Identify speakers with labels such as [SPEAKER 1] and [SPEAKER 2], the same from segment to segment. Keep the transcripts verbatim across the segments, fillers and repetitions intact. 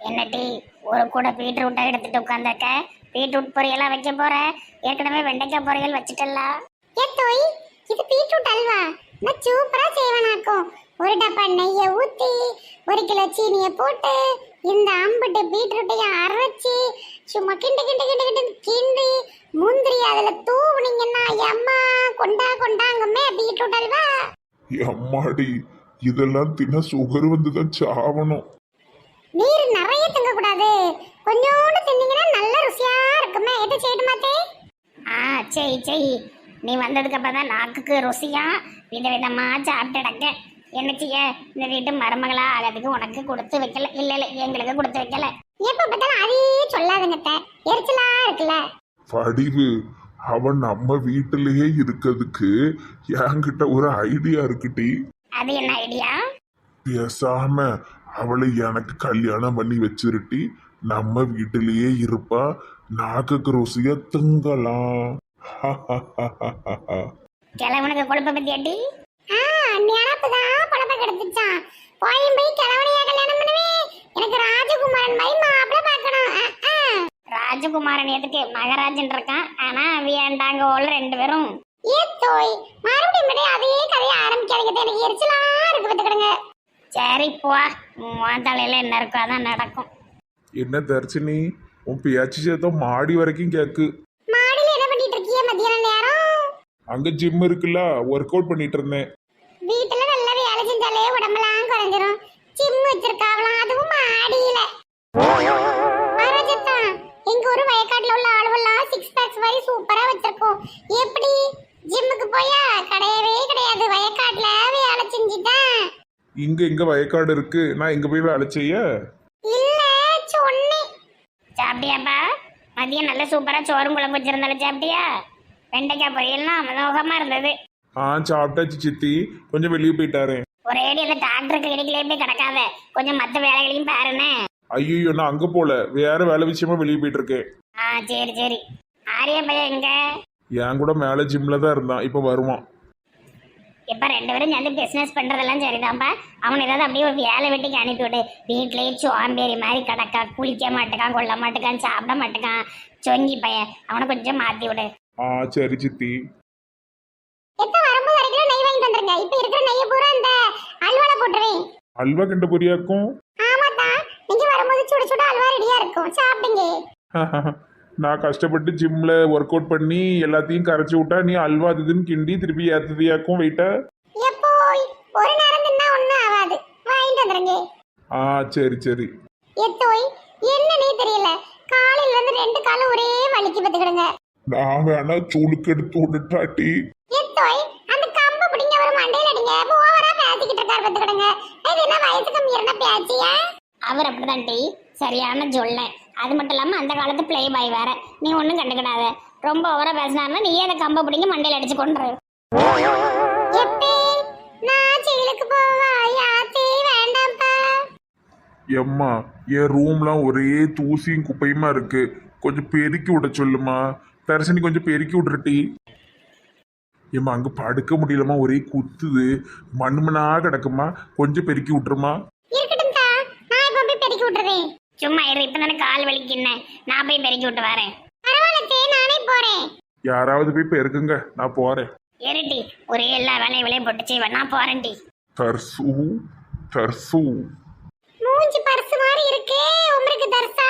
[SPEAKER 1] என்னட்டி ஒரு கூட பீட்ரூட்டை எடுத்துட்டு உட்காந்துருக்க? பீட்ரூட் பொரியலா வைக்க போற? ஏற்கனவே வெண்டைக்காய் பொரியல் வச்சுட்டல.
[SPEAKER 2] ஏத்தோய், இது பீட்ரூட் அல்வா. நான் சூப்பரா செய்வேனாக்கும். ஒரு டப்பா நெய்யை ஊத்தி ஒரு கிலோ சீனியை போட்டு இந்த அம்புட்டு பீட்ரூட்டையும் அரைச்சி சும்மா கிண்டு கிண்டு கிண்டு கிண்டு கிண்டி முந்திரி அதுல தூவுனீங்கன்னா அம்மா கொண்டா கொண்டாங்கம்மே பீட்ரூட் அல்வா.
[SPEAKER 3] அம்மாடி, இதெல்லாம் தின சுகர் வந்துதான் சாவணும்.
[SPEAKER 2] நீர் நிறைய திங்க கூடாது, கொஞ்சோண்டு தின்னீங்கன்னா நல்ல ருசியா இருக்குமே. எது செய்யணுமாத்தே?
[SPEAKER 1] ஆ செய் செய். நீ வந்ததுக்கு அப்புறம் தான் நாக்குக்கு ருசியா வித விதமா சாப்பிட்டுடக்க. என்ன செய்ய, இந்த வீட்டு மருமகளா ஆகிறதுக்கு உனக்கு கொடுத்து வைக்கல. இல்ல இல்ல, எங்களுக்கு கொடுத்து வைக்கல.
[SPEAKER 2] எப்ப பார்த்தாலும் அதையே சொல்லாதுங்க, எரிச்சலா இருக்குல்ல.
[SPEAKER 3] படிவு, அவன் நம்ம வீட்டிலேயே இருக்கிறதுக்கு என்கிட்ட ஒரு ஐடியா இருக்குடி.
[SPEAKER 1] அது என்ன ஐடியா?
[SPEAKER 3] பேசாம அவளை எனக்கு கல்யாணம் பண்ணி வச்சிருட்டி, நம்ம வீட்டிலேயே இருப்பா, நாக்குக்கு ருசியா திங்கலாம்.
[SPEAKER 1] கிழவனுக்கு கொழுப்ப பத்தி அடி.
[SPEAKER 2] ஆ, நினைப்புதான் பழப்ப கெடுத்துச்சான். போயும் போய் கிழவனையா கல்யாணம் பண்ணுவேன். எனக்கு ராஜகுமாரன் மாதிரி மாப்பிள்ள பார்க்கணும்.
[SPEAKER 1] ராஜகுமாரன் எதுக்கு? மகராஜன் இருக்கான். ஆனா வேண்டாங்க ஓல ரெண்டு பேரும்.
[SPEAKER 2] ஏத்தோய், மறுபடியும் மறுபடியும் அதே கதையை ஆரம்பிக்காதீங்க, எனக்கு எரிச்சலா இருக்கு பார்த்துக்கிடுங்க.
[SPEAKER 1] சரி போ, உன் தலையில என்ன இருக்கோ அதான் நடக்கும்.
[SPEAKER 3] என்ன தர்ச்சினி, உன் பேச்சு சேதம் மாடி வரைக்கும் கேக்கு.
[SPEAKER 2] மாடியில என்ன பண்ணிட்டு இருக்கீங்க மத்தியான நேரம்?
[SPEAKER 3] அங்க ஜிம் இருக்குல்ல, ஒர்க் அவுட் பண்ணிட்டு இருந்தேன்.
[SPEAKER 2] வீட்டுல நல்லா வேலை செஞ்சாலே உடம்பெல்லாம் குறைஞ்சிரும். ஜிம் வச்சிருக்காவலாம், அதுவும் மாடியில. மகாராஜத்தா, எங்க ஒரு வயக்காட்டுல உள்ள ஆளுவெல்லாம் சிக்ஸ் பேக்ஸ் மாதிரி சூப்பரா வச்சிருக்கோம். எப்படி ஜிம்முக்கு போயா? கிடையவே கிடையாது, வயக்காட்டுல வேலை செஞ்சுட்டேன்.
[SPEAKER 3] இங்க எங்க வயக்காடு இருக்கு, நான் எங்க போய் வேலை செய்ய?
[SPEAKER 2] இல்ல சொன்னேன்.
[SPEAKER 1] சாப்பிட்டியாப்பா? மதியம் நல்ல சூப்பரா சோறும் குழம்பு வச்சிருந்தாலும் சாப்பிட்டியா? வெண்டைக்காய் பொரியல்லாம் அமோகமா இருந்தது.
[SPEAKER 3] ஆ சாப்பிட்டாச்சு சித்தி, கொஞ்சம் வெளியே போயிட்டாரு.
[SPEAKER 1] ஒரே அடி அந்த டாக்டருக்கு கிளினிக்லயே போய் கிடக்காத, கொஞ்சம் மற்ற வேலைகளையும் பாருன்னு.
[SPEAKER 3] ஐயோ, நான் அங்க போல, வேற வேலை விஷயமா வெளியே போயிட்டு இருக்கேன்.
[SPEAKER 1] ஆ சரி சரி. ஆரிய பையன் எங்க?
[SPEAKER 3] என் கூட மேல ஜிம்ல தான் இருந்தான், இப்ப வருவான்.
[SPEAKER 1] இப்ப ரெண்டு பேரும் சேர்ந்து பிசினஸ் பண்றதெல்லாம் சரிதான்ப்பா. அவன் ஏதாவது அப்படியே ஒரு வேலை வெட்டிக்கு அனுப்பிவிடு. வீட்லயே சோம்பேறி மாதிரி கிடக்கா, குளிக்க மாட்டேக்கான், கொள்ள மாட்டேக்கான், சாப்பிட மாட்டேக்கான், சொங்கி பையன். அவனை கொஞ்சம் மாத்தி விடு.
[SPEAKER 3] ஆ சரி சித்தி.
[SPEAKER 2] எப்ப வரும்போது அரை கிலோ நெய் வாங்கிட்டு வந்துருங்க. இப்ப இருக்கிற நெய்யை பூரா அந்த அல்வால போட்டுறேன்.
[SPEAKER 3] அல்வா கிண்ட பொரியாக்கும்.
[SPEAKER 2] ஆமாத்தா, நீங்க வரும்போது சுட சுட அல்வா ரெடியா இருக்கும், சாப்பிடுங்க.
[SPEAKER 3] நான் கஷ்டப்பட்டு ஜிம்ல ஒர்க் அவுட் பண்ணி எல்லாத்தையும் கரைச்சி விட்டா நீ அல்வா இதுன்னு கிண்டி திருப்பி ஏத்ததியாக்கும் வெயிட்டா.
[SPEAKER 2] எப்போ ஒரு நேரம் தின்னா ஒண்ணும் ஆகாது, வாங்கிட்டு வந்துருங்க.
[SPEAKER 3] ஆ சரி சரி.
[SPEAKER 2] எத்தோய், என்னன்னே தெரியல, காலையில இருந்து ரெண்டு காலும் ஒரே வலிக்கு பத்துக்கிடுங்க.
[SPEAKER 3] நான் வேணா சூளுக்கு எடுத்து விட்டுட்டாட்டி.
[SPEAKER 2] எத்தோய், அந்த கம்பு பிடிங்க ஒரு மண்டையில அடிங்க. ஓவரா பேசிக்கிட்டு இருக்காரு பத்துக்கிடுங்க. இது என்ன வயசுக்கு மீறின பேச்சியா?
[SPEAKER 1] அவர் அப்படிதான் டி, சரியான சொல்ல. அது மட்டும் இல்லாம அந்த காலத்து பிளே பாய் வேற. நீ ஒன்றும் கண்டுக்கிடாத. ரொம்ப ஓவரா பேசினாருன்னா நீ அதை கம்ப பிடிங்க மண்டையில அடிச்சு கொண்டு.
[SPEAKER 2] எப்பே நான் ஜெயிலுக்கு போவா? யாத்தே வேண்டாம்ப்பா.
[SPEAKER 3] எம்மா, என் ரூம்லாம் ஒரே தூசியும் குப்பையுமா இருக்கு, கொஞ்சம் பெருக்கி விட சொல்லுமா. தரிசனி கொஞ்சம் பெருக்கி விட்றட்டி. ஏம்மா, அங்க படுக்க முடியலமா, ஒரே குத்துது, மண்மனா கிடக்குமா, கொஞ்சம் பெருக்கி விட்டுருமா.
[SPEAKER 2] இருக்கட்டும் தா, நான் இப்ப போய் பெருக்கி விட்டுறேன்.
[SPEAKER 1] சும்மா இரு, இப்ப தானே கால் வலிக்குன்னு. நான் போய் பெருக்கி விட்டு வரேன்.
[SPEAKER 2] பரவாயில்ல, நானே போறேன்.
[SPEAKER 3] யாராவது போய் பெருக்குங்க, நான் போறேன்.
[SPEAKER 1] ஏறிட்டி, ஒரே எல்லா வேலையும் விலையும் போட்டு செய்வேன். நான் போறேன் டி.
[SPEAKER 3] தர்சு தர்சு.
[SPEAKER 2] மூஞ்சி பர்ஸ் மாதிரி இருக்கே, உங்களுக்கு தர்சா?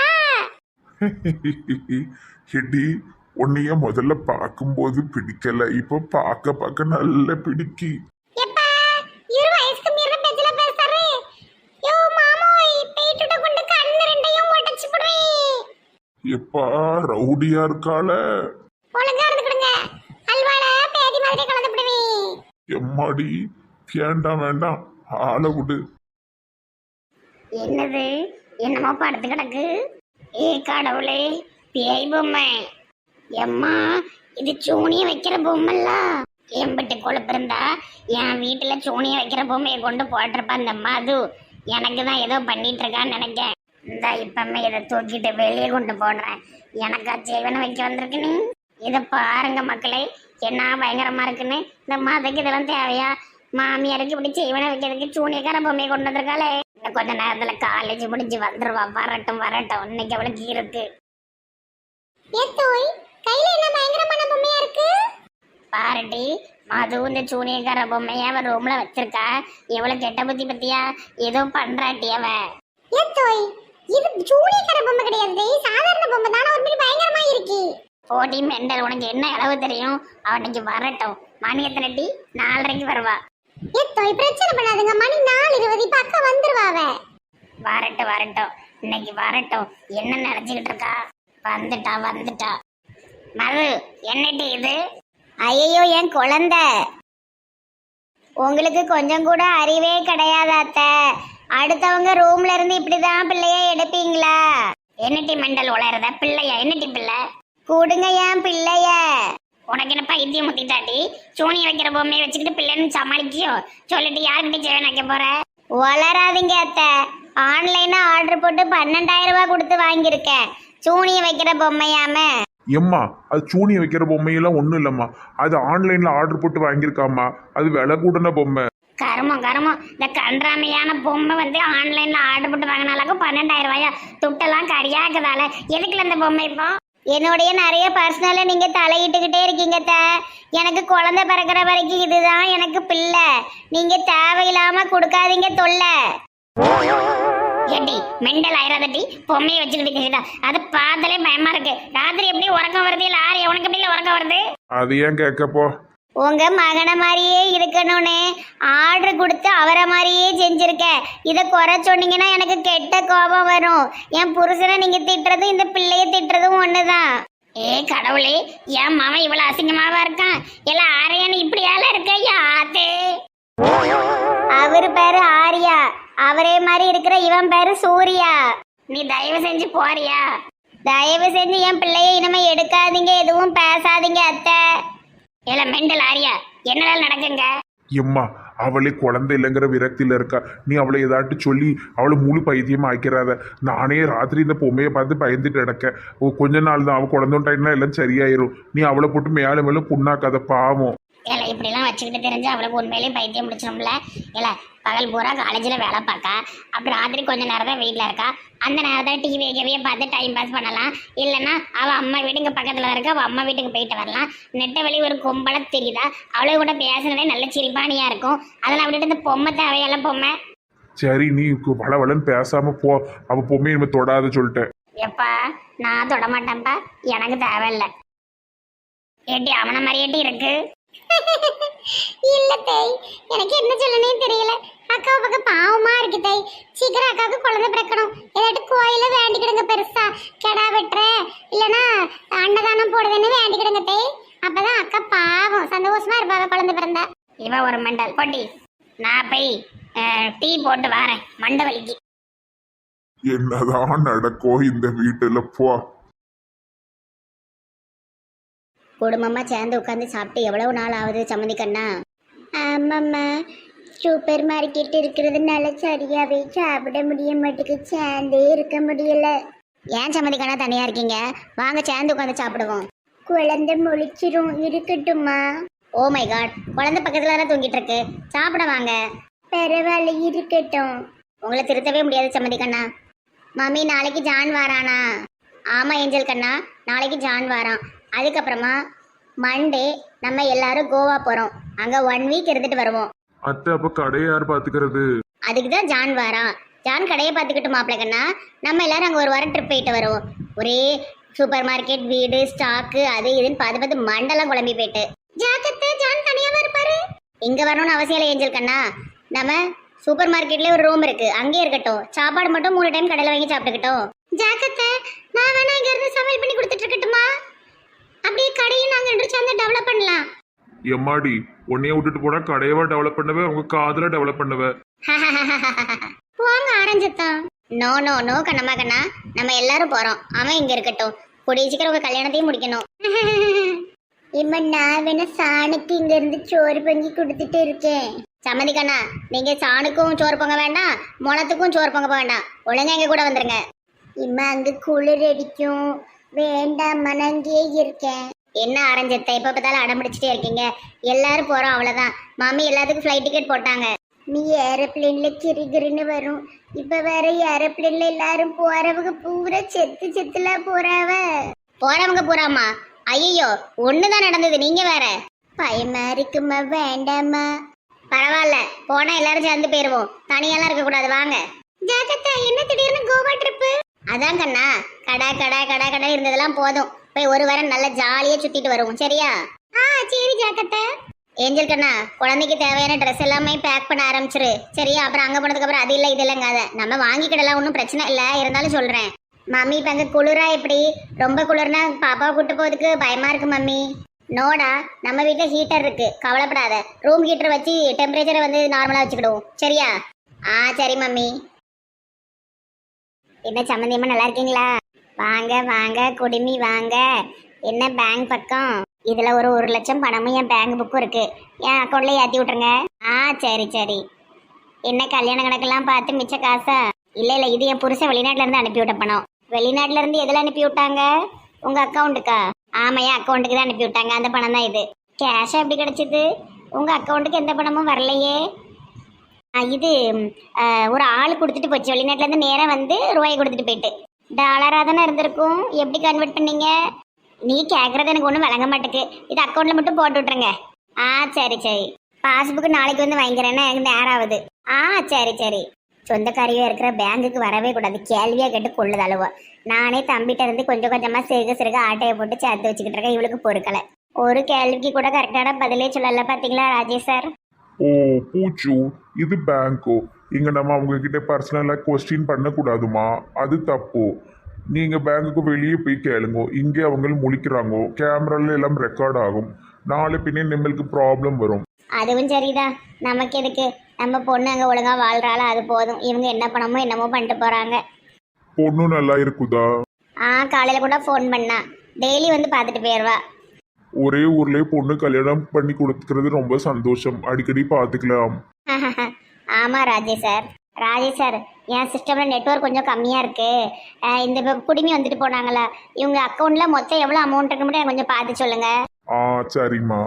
[SPEAKER 3] ஹெடி, உன்னைய முதல்ல பார்க்கும்போது பிடிக்கல, இப்போ பார்க்க பார்க்க நல்ல பிடிக்கி.
[SPEAKER 2] எப்பா, இரு வயசுக்கு மீறின பேச்சல பேசுறாரு. யோ மாமோய், பேட்டுட்ட கொண்டு கண்ணு ரெண்டையும் உடைச்சு போடுவேன்.
[SPEAKER 3] எப்பா ரவுடியா இருக்கால.
[SPEAKER 2] ஒழுங்கா இருந்துக்கிடுங்க, அல்வால பேதி மாதிரி கலந்து விடுவேன்.
[SPEAKER 3] எம்மாடி, வேண்டாம் வேண்டாம், ஆளை விடு.
[SPEAKER 1] என்னது என்னமோ படுத்து கிடக்கு. ஏ கடவுளே, பேய் பொம்மை. எம்மா, இது சூனிய வைக்கிற பொம்மைல்ல. எம்பிட்டு கொழுப்பு இருந்தா என் வீட்டுல சூனிய வைக்கிற பொம்மையை கொண்டு போட்டிருப்பா அந்த மது. எனக்கு தான் ஏதோ பண்ணிட்டு இருக்கான்னு நினைக்கேன். இந்த இப்பமே இதை தூக்கிட்டு வெளியே கொண்டு போடுறேன். எனக்கா ஜீவனை வைக்க வந்திருக்கு நீ. இதை பாருங்க மக்களே, என்ன பயங்கரமா இருக்குன்னு. இந்த மதுக்கு இதெல்லாம் தேவையா? மாமியாருக்கு இப்படி ஜீவனை வைக்கிறதுக்கு சூனியக்கார பொம்மையை கொண்டு வந்திருக்காளே. இந்த இன்னும் கொஞ்ச நேரத்துல காலேஜ் முடிஞ்சு வந்துருவா. வரட்டும் வரட்டும், இன்னைக்கு அவளுக்கு இருக்கு.
[SPEAKER 2] ஏத்தோய் கையில என்ன பயங்கரமான பொம்மையா இருக்கு.
[SPEAKER 1] பாருடி, மது இந்த சூனியக்கார பொம்மைய அவன் ரூம்ல வச்சிருக்கா. எவ்வளவு கெட்ட புத்தி பத்தியா, ஏதோ பண்றாட்டி அவ.
[SPEAKER 2] ஏத்தோய் இது ஜூலியக்கார பொம்மை கிடையாது, சாதாரண பொம்மை தான, ஒரு மாதிரி பயங்கரமா இருக்கு.
[SPEAKER 1] போடி மெண்டல், உனக்கு என்ன அளவு தெரியும்? அவன் இன்னைக்கு வரட்டும். மணி எத்தனை டி? நாலரைக்கு வருவா.
[SPEAKER 2] ஏத்தோய் பிரச்சனை பண்ணாதுங்க, மணி நாலு இருபது, இப்ப அக்கா வந்துருவாவ.
[SPEAKER 1] வரட்டும் வரட்டும், இன்னைக்கு வரட்டும். என்ன நினைச்சுக்கிட்டு இருக்கா? வந்துட்டா வந்துட்டா. மது, என்னடி இது? ஐயோ, என் குழந்தை. உங்களுக்கு கொஞ்சம் கூட அறிவே கிடையாது அத்தை. அடுத்தவங்க ரூம்ல இருந்து இப்படிதான் பிள்ளைய எடுப்பீங்களா? என்னட்டி மெண்டல் உளறத? பிள்ளையா? என்னட்டி பிள்ளை? கூடுங்க என் பிள்ளைய. உனக்கு என்ன பைத்தியம் முத்திட்டாட்டி? சூனிய வைக்கிற பொம்மையை வச்சுக்கிட்டு பிள்ளைன்னு சமாளிக்கியோ? சொல்லிட்டு யாருக்கிட்ட சேவன் வைக்க போற? வளராதீங்க அத்தை. ஆன்லைன்ல ஆர்டர் போட்டு பன்னெண்டாயிரம் ரூபாய் கொடுத்து வாங்கியிருக்கேன். சூனிய வைக்கிற பொம்மையாம.
[SPEAKER 3] எம்மா, அது சூனிய வைக்கிற பொம்மையெல்லாம் ஒன்றும் இல்லைம்மா. அது ஆன்லைனில் ஆர்டர் போட்டு வாங்கியிருக்காம்மா. அது விலை கூடன பொம்மை.
[SPEAKER 1] கருமம் கருமம், இந்த கன்றாமையான பொம்மை வந்து ஆன்லைன்ல ஆர்டர் போட்டு வாங்கினாலும் பன்னெண்டாயிரம் ரூபாயா? துட்டெல்லாம் கரியாக்குதால எதுக்குல இந்த பொம்மை? இப்போ என்னுடைய நிறைய பர்சனல நீங்க தலையிட்டுக்கிட்டே இருக்கீங்க த. எனக்கு குழந்தை பிறக்கிற வரைக்கும் இதுதான் எனக்கு பிள்ளை. நீங்க தேவையில்லாம கொடுக்காதீங்க தொல்லை. ஏடி மெண்டல் ஆயிராதட்டி, பொம்மையை வச்சுக்கிட்டு அது பார்த்தாலே பயமா இருக்கு. ராத்திரி எப்படி உறக்கம் வருது? இல்ல ஆறு உனக்கு எப்படி உறக்கம் வருது?
[SPEAKER 3] அது ஏன் கேட்கப்போ?
[SPEAKER 1] உங்க மகனை மாதிரியே இருக்கணும்னு ஆர்டர் கொடுத்து அவரை மாதிரியே செஞ்சிருக்க. இதை குறை சொன்னீங்கன்னா எனக்கு கெட்ட கோபம் வரும். என் புருஷனை நீங்க திட்டுறதும் இந்த பிள்ளைய திட்டுறதும் ஒண்ணுதான். ஏ கடவுளே, என் மாமன் இவ்வளவு அசிங்கமாவா இருக்கான். எல்லாம் ஆரையான்னு இப்படியால இருக்க யாத்தே. அவரு பேரு ஆரியா, அவரே மாதிரி இருக்கிற இவன் பேரு சூர்யா. நீ தயவு செஞ்சு போறியா? தயவு செஞ்சு என் பிள்ளைய இனிமே எடுக்காதீங்க, எதுவும் பேசாதீங்க அத்தை. ஏல மெண்டல் ஆரியா, என்னெல்லாம் நடக்குங்க?
[SPEAKER 3] எம்மா, அவளே குழந்தை இல்லைங்கிற விரக்தியில் இருக்கா. நீ அவளை ஏதாட்டு சொல்லி அவளை முழு பைத்தியமா ஆக்கிறாத. நானே ராத்திரி இந்த பொம்மையை பார்த்து பயந்துட்டு கிடக்கேன். கொஞ்ச நாள் தான், அவள் குழந்தைட்டாயினா எல்லாம் சரியாயிரும். நீ அவளை போட்டு மேலே மேலே புண்ணாக்காத, பாவம்.
[SPEAKER 1] ஏல இப்படிலாம் வச்சுக்கிட்டு தெரிஞ்சு அவளுக்கு உண்மையிலேயே பைத்தியம் முடிச்சிடும்ல. ஏல பகல் பூரா காலேஜில் வேலை பார்க்கா, அப்புறம் ராத்திரி கொஞ்ச நேரம் தான் வீட்டில் இருக்கா. அந்த நேரத்தை டிவி வைக்கவே பார்த்து டைம் பாஸ் பண்ணலாம். இல்லைன்னா அவள் அம்மா வீட்டுக்கு பக்கத்தில் இருக்க, அவள் அம்மா வீட்டுக்கு போயிட்டு வரலாம். நெட்ட வழி ஒரு கும்பலை தெரியுதா? அவளை கூட பேசுனதே நல்ல சிரிப்பானியாக இருக்கும். அதெல்லாம் விட்டுட்டு இந்த பொம்மை தேவையெல்லாம் பொம்மை.
[SPEAKER 3] சரி, நீ வள வளன்னு பேசாம போ. அவள் பொம்மையை நம்ம தொடாத சொல்லிட்டேன்.
[SPEAKER 1] எப்பா நான் தொட மாட்டேன்ப்பா, எனக்கு தேவையில்லை. ஏட்டி அவனை மாதிரியேட்டி இருக்கு.
[SPEAKER 2] இல்ல தேய், எனக்கு என்ன சொல்லனே தெரியல. அக்காவை பக்கம் பாவமா இருக்கு தேய். சீக்கிரம் அக்காவுக்கு குழந்தை பிறக்கணும். ஏதாட்டு கோயில வேண்டிக்கிடுங்க, பெருசா கெடா வெட்டுற இல்லைன்னா அன்னதானம் போடுதுன்னு வேண்டிக்கிடுங்க தேய். அப்பதான் அக்கா பாவம் சந்தோஷமா இருப்பாவ குழந்தை பிறந்தா.
[SPEAKER 1] இவன் ஒரு மெண்டல் போட்டி. நான் போய் டீ போட்டு வரேன், மண்டை வலிக்கு.
[SPEAKER 3] என்னதான் நடக்கும் இந்த வீட்டுல? போ.
[SPEAKER 1] குடும்பமா சேர்ந்து உட்காந்து சாப்பிட்டு எவ்வளவு நாள் ஆகுது சம்மந்தி கண்ணா? ஆமாம்மா, சூப்பர் மார்க்கெட் இருக்கிறதுனால சரியாவே சாப்பிட முடிய மாட்டேங்குது, சேர்ந்தே இருக்க முடியல. ஏன் சம்மந்தி கண்ணா தனியா இருக்கீங்க? வாங்க சேர்ந்து உட்காந்து சாப்பிடுவோம். குழந்தை முழிச்சிரும், இருக்கட்டுமா? ஓ மை காட், குழந்தை பக்கத்துல தான் தூங்கிட்டு இருக்கு, சாப்பிட வாங்க. பரவாயில்ல, இருக்கட்டும். உங்களை திருத்தவே முடியாது சம்மந்தி கண்ணா. மம்மி நாளைக்கு ஜான் வாரானா? ஆமா ஏஞ்சல் கண்ணா, நாளைக்கு ஜான் வாரான். அதுக்கப்புறமா மண்டே நம்ம எல்லாரும் கோவா போறோம். அங்க ஒன் வீக் இருந்துட்டு வருவோம்.
[SPEAKER 3] அத்தை, அப்ப கடையை யார் பாத்துக்கிறது?
[SPEAKER 1] அதுக்குதான் ஜான் வாரான். ஜான் கடையை பார்த்துக்கிட்டு மாப்பிள்ள கண்ணா, நம்ம எல்லாரும் அங்க ஒரு வாரம் ட்ரிப் போயிட்டு வருவோம். ஒரே சூப்பர் மார்க்கெட், வீடு, ஸ்டாக்கு, அது இதுன்னு பார்த்து பார்த்து மண்டெல்லாம் குழம்பி போயிட்டு. ஜாக்கத்தை ஜான் தனியாவா இருப்பாரு? இங்க வரணும்னு அவசியம் இல்லை ஏஞ்சல் கண்ணா. நம்ம சூப்பர் மார்க்கெட்லயே ஒரு ரூம் இருக்கு, அங்கேயே இருக்கட்டும். சாப்பாடு மட்டும் மூணு டைம் கடையில் வாங்கி சாப்பிட்டுக்கிட்டோம். ஜாக்கத்தை நான் வேணா இங்க இருந்து சமையல் பண்ணி கொடுத்துட்டு இருக்கட்டுமா? அப்படியே கடையும் நாங்க ரெண்டு சேர்ந்து டெவலப் பண்ணலாம்.
[SPEAKER 3] எம்மாடி, உன்னைய விட்டுட்டு போனா கடையவா டெவலப் பண்ணவே, உங்க காதல டெவலப் பண்ணுவ.
[SPEAKER 1] போங்க ஆரஞ்சத்தான். நோ நோ நோ கண்ணம்மா கண்ணா, நம்ம எல்லாரும் போறோம். அவன் இங்க இருக்கட்டும். கூடிய சீக்கிரம் உங்க கல்யாணத்தையும் முடிக்கணும். இம்ம நான் வேணா சாணுக்கு இங்க இருந்து சோறு பொங்கி கொடுத்துட்டு இருக்கேன். சம்மந்தி கண்ணா, நீங்க சாணுக்கும் சோறு பொங்க வேண்டாம், முளத்துக்கும் சோறு பொங்க வேண்டாம். ஒழுங்கா எங்க கூட வந்துருங்க. இம்மா அங்க குளிர் அடிக்கும், வேண்டாம் மனங்கே இருக்கேன். என்ன ஆரஞ்சத்தை எப்ப பார்த்தாலும் அடம் பிடிச்சிட்டே இருக்கீங்க? எல்லாரும் போறோம், அவ்வளவுதான். மாமி எல்லாத்துக்கும் ஃப்ளைட் டிக்கெட் போட்டாங்க.
[SPEAKER 2] நீ ஏரோப்ளேன்ல கிரிகிரின்னு வரும். இப்ப வேற ஏரோப்ளேன்ல எல்லாரும் போறவங்க பூரா செத்து செத்துல போறாவ.
[SPEAKER 1] போறவங்க பூராமா? ஐயோ ஒண்ணுதான் நடந்தது, நீங்க வேற.
[SPEAKER 2] பயமா இருக்குமா? வேண்டாமா?
[SPEAKER 1] பரவாயில்ல, போனா எல்லாரும் சேர்ந்து போயிருவோம், தனியெல்லாம் இருக்க கூடாது, வாங்க.
[SPEAKER 2] ஜாகத்தா, என்ன திடீர்னு கோவா ட்ரிப்பு?
[SPEAKER 1] அதான் கண்ணா, கடை கடை கடை கடை இருந்ததெல்லாம் போதும், போய் ஒரு வாரம் நல்லா ஜாலியா சுத்திட்டு வருவோம், சரியா?
[SPEAKER 2] ஆ சரி ஜாகத்தா.
[SPEAKER 1] ஏஞ்சல் கண்ணா, குழந்தைக்கு தேவையான ட்ரெஸ் எல்லாமே பேக் பண்ண ஆரம்பிச்சிரு, சரியா? அப்புறம் அங்க போனதுக்கு அப்புறம் அது இல்லை இது இல்லைங்காத, நம்ம வாங்கிக்கிடலாம், ஒன்றும் பிரச்சனை இல்லை. இருந்தாலும் சொல்றேன் மம்மி, இப்ப அங்க குளிரா எப்படி? ரொம்ப குளிர்னா பாப்பாவை கூட்டு போறதுக்கு பயமா இருக்கு மம்மி. நோடா, நம்ம வீட்டுல ஹீட்டர் இருக்கு, கவலைப்படாத. ரூம் ஹீட்டர் வச்சு டெம்பரேச்சரை வந்து நார்மலா வச்சுக்கிடுவோம், சரியா? ஆ சரி மம்மி. என்ன சம்மந்தியம்மா, நல்லா இருக்கீங்களா? வாங்க வாங்க குடிமி வாங்க. என்ன பேங்க் பக்கம்? இதுல ஒரு ஒரு லட்சம் பணமும் என் பேங்க் புக்கும் இருக்கு, என் அக்கௌண்ட்ல ஏத்தி விட்டுருங்க. ஆ சரி சரி. என்ன கல்யாண கணக்கெல்லாம் பார்த்து மிச்ச காசா? இல்ல இல்ல, இது என் புருஷன் வெளிநாட்டுல இருந்து அனுப்பி விட்ட பணம். வெளிநாட்டுல இருந்து எதுல அனுப்பி விட்டாங்க? உங்க அக்கௌண்ட்டுக்கா? ஆமா, என் அக்கௌண்ட்டுக்கு தான் அனுப்பி விட்டாங்க, அந்த பணம் தான் இது. கேஷா எப்படி கிடைச்சது? உங்க அக்கௌண்ட்டுக்கு எந்த பணமும் வரலையே. இது ஒரு ஆள் கொடுத்துட்டு போச்சு, வெளிநாட்டுல இருந்து நேரம் வந்து ரூபாய் கொடுத்துட்டு போயிட்டு. டாலரா தானே இருந்திருக்கும், எப்படி கன்வெர்ட் பண்ணீங்க? நீ கேட்கறது எனக்கு ஒன்றும் வழங்க மாட்டேக்கு, இது அக்கௌண்ட்ல மட்டும் போட்டு விட்டுருங்க. ஆ சரி சரி. பாஸ்புக் நாளைக்கு வந்து வாங்கிக்கிறேன்னா எனக்கு நேரம் ஆகுது. ஆ சரி சரி. சொந்தக்காரியா இருக்கிற பேங்குக்கு வரவே கூடாது, கேள்வியா கேட்டு கொள்ளுது அளவு. நானே தம்பிட்ட இருந்து கொஞ்சம் கொஞ்சமா சிறுக சிறுக ஆட்டையை போட்டு சேர்த்து வச்சுக்கிட்டு இருக்கேன், இவளுக்கு பொறுக்கலை. ஒரு கேள்விக்கு கூட கரெக்டான பதிலே சொல்லல, பாத்தீங்களா ராஜேஷ் சார்?
[SPEAKER 3] ஓ பூச்சு, இது பேங்க்கோ? இங்க நம்ம அவங்க கிட்ட பர்சனலா கொஸ்டின் பண்ணக்கூடாதுமா, அது தப்பு. நீங்க பேங்குக்கு வெளியே போய் கேளுங்க, இங்கே அவங்க முழிக்கிறாங்க, கேமரால எல்லாம் ரெக்கார்ட் ஆகும், நாளை பின்னே நம்மளுக்கு ப்ராப்ளம் வரும்.
[SPEAKER 1] அதுவும் சரிதான், நமக்கு எதுக்கு? நம்ம பொண்ணு அங்க ஒழுங்கா வாழ்றாளா, அது போதும். இவங்க என்ன பண்ணமோ என்னமோ பண்ணிட்டு போறாங்க.
[SPEAKER 3] பொண்ணு நல்லா இருக்குதா?
[SPEAKER 1] ஆ காலையில கூட ஃபோன் பண்ணா, டெய்லி வந்து பார்த்துட்டு போயிடுவா.
[SPEAKER 3] ஒரே ஊர்லயே பொண்ணு கல்யாணம் பண்ணி கொடுக்கறது ரொம்ப சந்தோஷம், அடிக்கடி பார்த்துக்கலாம்.
[SPEAKER 1] ஆமா ராஜேஷ் சார். ராஜேஷ் சார், என் சிஸ்டம்ல நெட்வொர்க் கொஞ்சம் கம்மியா இருக்கு. அஹ் இந்த இப்ப குடிமி வந்துட்டு போனாங்களா, இவங்க அக்கௌண்ட்ல மொத்தம் எவ்வளவு அமௌண்ட் இருக்கு மட்டும் எனக்கு கொஞ்சம் பார்த்து சொல்லுங்க.
[SPEAKER 3] ஆ சரிம்மா.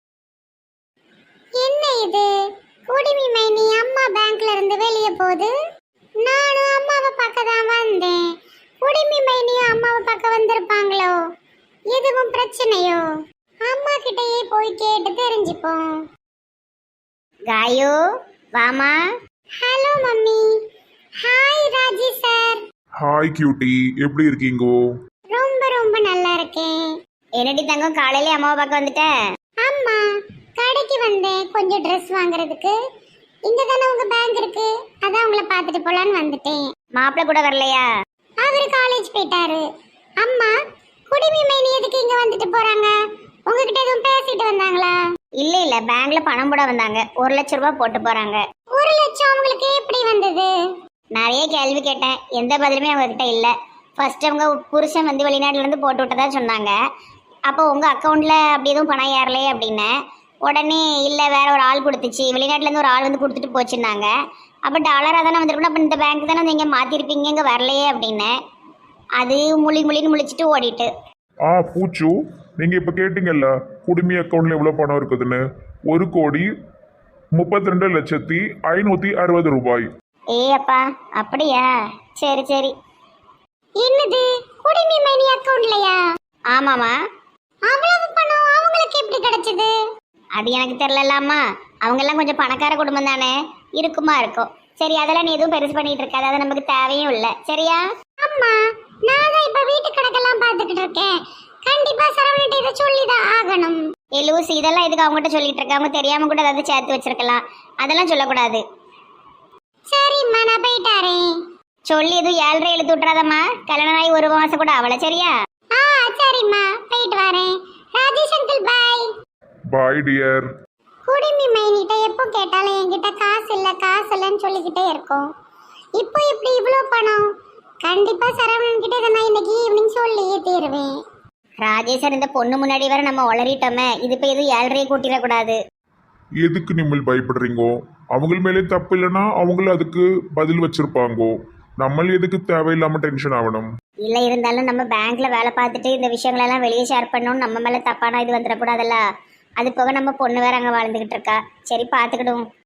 [SPEAKER 2] என்ன இது? குடிமி மைனி அம்மா பேங்க்ல இருந்து வெளியே போகுது. நானும் அம்மாவை பார்க்க தான் வந்தேன். குடிமி மைனியும் அம்மாவை பார்க்க வந்திருப்பாங்களோ? எதுவும் பிரச்சனையோ? அம்மா கிட்டயே போய் கேட்டு தெரிஞ்சுப்போம்.
[SPEAKER 1] காயு வாமா.
[SPEAKER 2] Hello mummy. Hi Raji sir.
[SPEAKER 3] Hi cutie, எப்படி இருக்கீங்கோ?
[SPEAKER 2] ரொம்ப ரொம்ப நல்லா இருக்கேன்.
[SPEAKER 1] என்னடி தங்கம், காலையில அம்மாவை பார்க்க வந்துட்ட?
[SPEAKER 2] அம்மா, கடைக்கு வந்தேன் கொஞ்சம் ட்ரெஸ் வாங்குறதுக்கு. இங்க தானே உங்க பேங்க் இருக்கு, அதான் உங்களை பார்த்துட்டு போலான்னு வந்துட்டேன்.
[SPEAKER 1] மாப்பிள்ள கூட வரலையா?
[SPEAKER 2] அவரு காலேஜ் போயிட்டாரு. அம்மா, குடிமி மைனி எதுக்கு இங்க வந்துட்டு போறாங்க? உங்ககிட்ட எதுவும் பேசிட்டு வந்தாங்களா?
[SPEAKER 1] இல்ல இல்ல, பேங்க்ல பணம் போட வந்தாங்க, ஒரு லட்சம் ரூபாய் போட்டு போறாங்க.
[SPEAKER 2] ஒரு லட்சம் அவங்களுக்கு எப்படி வந்தது?
[SPEAKER 1] நிறைய கேள்வி கேட்டேன், எந்த பதிலுமே அவங்க கிட்ட இல்ல. ஃபர்ஸ்ட் அவங்க புருஷன் வந்து வெளிநாட்டுல இருந்து போட்டு விட்டதா சொன்னாங்க. அப்போ உங்க அக்கௌண்ட்ல அப்படி எதுவும் பணம் ஏறலையே அப்படின்னு. உடனே இல்ல, வேற ஒரு ஆள் கொடுத்துச்சு, வெளிநாட்டுல இருந்து ஒரு ஆள் வந்து கொடுத்துட்டு போச்சுன்னாங்க. அப்ப டாலரா தானே வந்திருக்கணும், அப்ப இந்த பேங்க் தானே நீங்க மாத்திருப்பீங்க, இங்க வரலையே அப்படின்னு. அது முழி முழின்னு முழிச்சிட்டு ஓடிட்டு.
[SPEAKER 3] ஆ பூச்சு, நீங்க இப்ப கேட்டீங்கல்ல குடுமி அக்கௌண்ட்ல எவ்வளவு பணம் இருக்குதுன்னு? ஒரு கோடி முப்பத்தி ரெண்டு லட்சத்தி ஐநூத்தி அறுபது ரூபாய்.
[SPEAKER 1] ஏ அப்பா, அப்படியா? சரி சரி.
[SPEAKER 2] என்னது, குடிமி மைனி அக்கவுண்ட்லயா?
[SPEAKER 1] ஆமாமா.
[SPEAKER 2] அவ்வளவு பணம் அவங்களுக்கு எப்படி கிடைச்சது?
[SPEAKER 1] அது எனக்கு தெரியலம்மா, அவங்க எல்லாம் கொஞ்சம் பணக்கார குடும்பம் தானே, இருக்குமா இருக்கும். சரி, அதெல்லாம் நீ எதுவும் பெருசு பண்ணிட்டு இருக்காது, அது நமக்கு தேவையும் இல்லை, சரியா?
[SPEAKER 2] அம்மா, நான் தான் இப்ப வீட்டு கணக்கெல்லாம் பார்த்துக்கிட்டு இருக்கேன். கண்டிப்பா சரவணிட்ட இதை சொல்லிதான் ஆகணும்.
[SPEAKER 1] ஏ லூசி, இதெல்லாம் இதுக்கு அவங்ககிட்ட சொல்லிட்டு இருக்க, அவங்க தெரியாம கூட ஏதாவது சேர்த்து வச்சிருக்கலாம், அதெல்லாம் சொல்லக்கூடாது.
[SPEAKER 2] சரிம்மா, நான் போயிட்டாரேன்.
[SPEAKER 1] சொல்லி எதுவும் ஏழரை எழுத்து விட்டுறாதம்மா, கல்யாணம் ஆகி ஒரு மாசம் கூட அவளை, சரியா?
[SPEAKER 2] ஆ சரிம்மா, போயிட்டு வரேன். Rajesh uncle bye.
[SPEAKER 3] Bye dear.
[SPEAKER 2] குடிமி மைனிட்ட எப்போ கேட்டாலும் என்கிட்ட காசு இல்ல காசு இல்லைன்னு சொல்லிக்கிட்டே இருக்கோம். இப்போ இப்படி இவ்வளோ பணம்? கண்டிப்பா சரவணன் கிட்ட இதை நான் இன்னைக்கு ஈவினிங் சொல்லியே தீருவேன்.
[SPEAKER 1] ராஜேஷர், இந்த பொண்ணு முன்னாடி வர நம்ம உளறிட்டோமே, இது இப்போ எதுவும் ஏழரையை கூட்டிடக்கூடாது.
[SPEAKER 3] எதுக்கு நீங்கள் பயப்படுறீங்கோ? அவங்க மேலே தப்பு இல்லைன்னா அவங்களும் அதுக்கு பதில் வச்சிருப்பாங்கோ. நம்ம எதுக்கு தேவையில்லாம டென்ஷன் ஆகணும்?
[SPEAKER 1] இல்லை, இருந்தாலும் நம்ம பேங்க்ல வேலை பார்த்துட்டு இந்த விஷயங்களெல்லாம் வெளியே ஷேர் பண்ணணும், நம்ம மேலே தப்பான இது வந்துடக்கூடாதுல்ல. அது போக நம்ம பொண்ணு வேற அங்கே வாழ்ந்துகிட்டு இருக்கா, சரி பார்த்துக்கிடுவோம்.